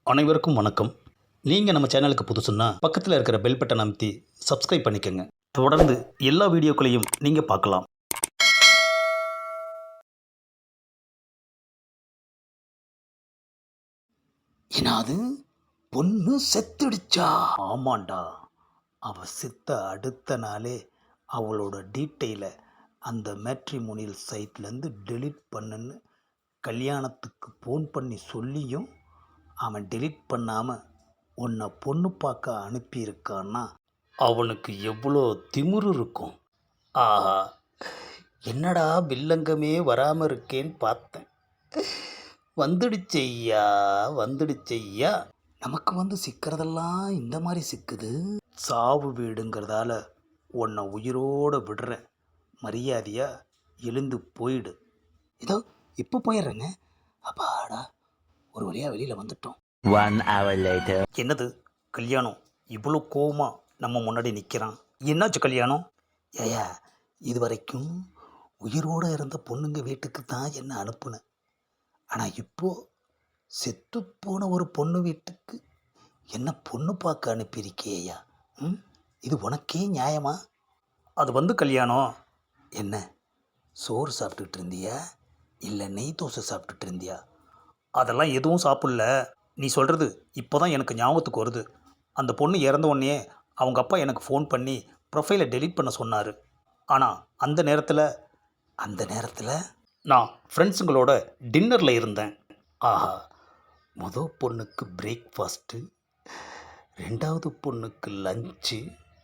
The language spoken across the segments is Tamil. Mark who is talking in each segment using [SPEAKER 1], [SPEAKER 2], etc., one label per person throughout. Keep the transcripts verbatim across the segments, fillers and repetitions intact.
[SPEAKER 1] அனைவருக்கும் வணக்கம். நீங்கள் நம்ம சேனலுக்கு புதுசுன்னா பக்கத்தில் இருக்கிற பெல் பட்டனை அமைத்தி சப்ஸ்கிரைப் பண்ணிக்கோங்க. தொடர்ந்து எல்லா வீடியோக்களையும் நீங்கள் பார்க்கலாம். என்னது, பொண்ணு செத்துடுச்சா? ஆமாண்டா. அவ செத்த அடுத்த நாளே அவளோட டீட்டெயிலை அந்த மேட்ரிமோனியல் சைட்லேருந்து டெலீட் பண்ணுன்னு கல்யாணத்துக்கு ஃபோன் பண்ணி சொல்லியும் அவன் டெலீட் பண்ணாமல் உன்னை பொண்ணு பார்க்க அனுப்பியிருக்கான்னா அவனுக்கு எவ்வளோ திமிரு இருக்கும். ஆஹா, என்னடா வில்லங்கமே வராமல் இருக்கேன்னு பார்த்தேன். வந்துடுச்சையா வந்துடுச்சையா. நமக்கு வந்து சிக்கிறதெல்லாம் இந்த மாதிரி சிக்குது. சாவு வீடுங்கிறதால உன்னை உயிரோடு விடுறேன். மரியாதையா எழுந்து போயிடு. இதோ இப்போ போயிடுறேங்க. அப்பாடா, ஒரு வழியாக வெளியில் வந்துட்டோம்.
[SPEAKER 2] One hour later.
[SPEAKER 1] என்னது கல்யாணம் இவ்வளோ கோவமா நம்ம முன்னாடி நிற்கிறான்? என்னாச்சு கல்யாணம்? ஏயா, இது வரைக்கும் உயிரோடு இருந்த பொண்ணுங்க வீட்டுக்கு தான் என்ன அனுப்புனேன். ஆனால் இப்போது செத்துப்போன ஒரு பொண்ணு வீட்டுக்கு என்ன பொண்ணு பார்க்க அனுப்பியிருக்கேயா? ம், இது உனக்கே நியாயமா? அது வந்து கல்யாணம் என்ன, சோறு சாப்பிட்டுட்டு இருந்தியா இல்லை நெய் தோசை சாப்பிட்டுட்டு இருந்தியா? அதெல்லாம் எதுவும் சாப்பிடல. நீ சொல்கிறது இப்போ தான் எனக்கு ஞாபகத்துக்கு வருது. அந்த பொண்ணு இறந்த உடனே அவங்க அப்பா எனக்கு ஃபோன் பண்ணி ப்ரொஃபைலை டெலீட் பண்ண சொன்னார். ஆனால் அந்த நேரத்தில் அந்த நேரத்தில் நான் ஃப்ரெண்ட்ஸுங்களோட டின்னரில் இருந்தேன். ஆஹா, மொதல் பொண்ணுக்கு பிரேக்ஃபாஸ்ட்டு, ரெண்டாவது பொண்ணுக்கு லஞ்சு,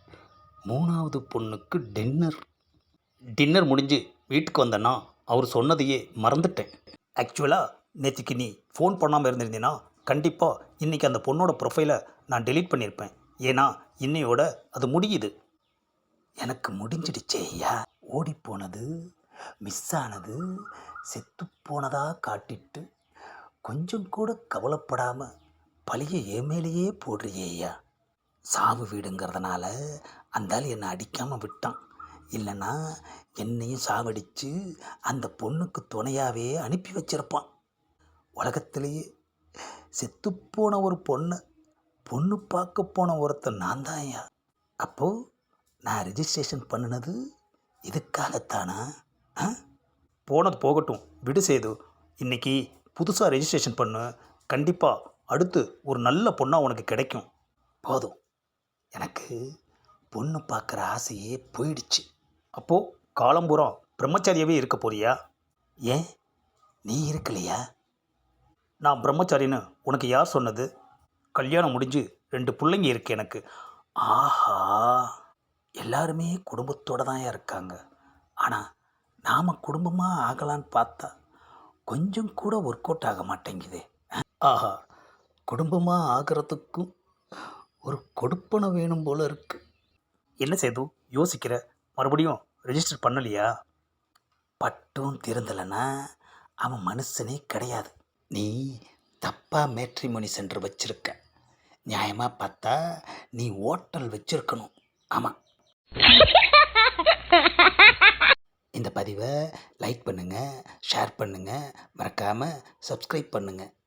[SPEAKER 1] மூணாவது பொண்ணுக்கு டின்னர். டின்னர் முடிஞ்சு வீட்டுக்கு வந்தேன்னா அவர் சொன்னதையே மறந்துட்டேன். ஆக்சுவலாக நேற்றுக்கு நீ ஃபோன் பண்ணாமல் இருந்திருந்தீன்னா கண்டிப்பாக இன்றைக்கி அந்த பொண்ணோட ப்ரொஃபைலை நான் டெலீட் பண்ணியிருப்பேன். ஏன்னா இன்னையோட அது முடியுது. எனக்கு முடிஞ்சிடுச்சே ஐயா. ஓடிப்போனது, மிஸ் ஆனது, செத்து போனதாக காட்டிட்டு கொஞ்சம் கூட கவலைப்படாமல் பழிய ஏமேலேயே போடுறியே ஐயா. சாவு வீடுங்கிறதுனால அந்தால் என்னை அடிக்காமல் விட்டான். இல்லைன்னா என்னையும் சாவடித்து அந்த பொண்ணுக்கு துணையாகவே அனுப்பி வச்சிருப்பான். உலகத்திலேயே செத்துப்போன ஒரு பொண்ணை பொண்ணு பார்க்க போன ஒருத்தன் நான் தான் ஐயா. அப்போது நான் ரிஜிஸ்ட்ரேஷன் பண்ணினது இதுக்காகத்தானா? ஆ, போனது போகட்டும், விடு சேது. இன்றைக்கி புதுசாக ரெஜிஸ்ட்ரேஷன் பண்ணு. கண்டிப்பாக அடுத்து ஒரு நல்ல பொண்ணாக உனக்கு கிடைக்கும். போதும், எனக்கு பொண்ணு பார்க்குற ஆசையே போயிடுச்சு. அப்போது காலம்பூரம் பிரம்மச்சாரியாகவே இருக்க போறியா? ஏன், நீ இருக்கலையா? நான் பிரம்மச்சாரின்னு உனக்கு யார் சொன்னது? கல்யாணம் முடிஞ்சு ரெண்டு பிள்ளைங்க இருக்கு எனக்கு. ஆஹா, எல்லாருமே குடும்பத்தோடு தான் இருக்காங்க. ஆனால் நாம் குடும்பமாக ஆகலான்னு பார்த்தா கொஞ்சம் கூட ஒர்க் அவுட் ஆக மாட்டேங்குது. ஆஹா, குடும்பமாக ஆகிறதுக்கும் ஒரு கொடுப்பனை வேணும் போல இருக்கு. என்ன செய்து யோசிக்கிற? மறுபடியும் ரெஜிஸ்டர் பண்ணலையா? பட்டும் திருந்தலைன்னா அவன் மனுஷனே கிடையாது. நீ தப்பாக மேட்ரிமோனி சென்டர் வச்சிருக்க. நியாயமாக பார்த்தா நீ ஹோட்டல் வச்சிருக்கணும். ஆமாம். இந்த பதிவை லைக் பண்ணுங்கள், ஷேர் பண்ணுங்கள், மறக்காமல் சப்ஸ்கிரைப் பண்ணுங்கள்.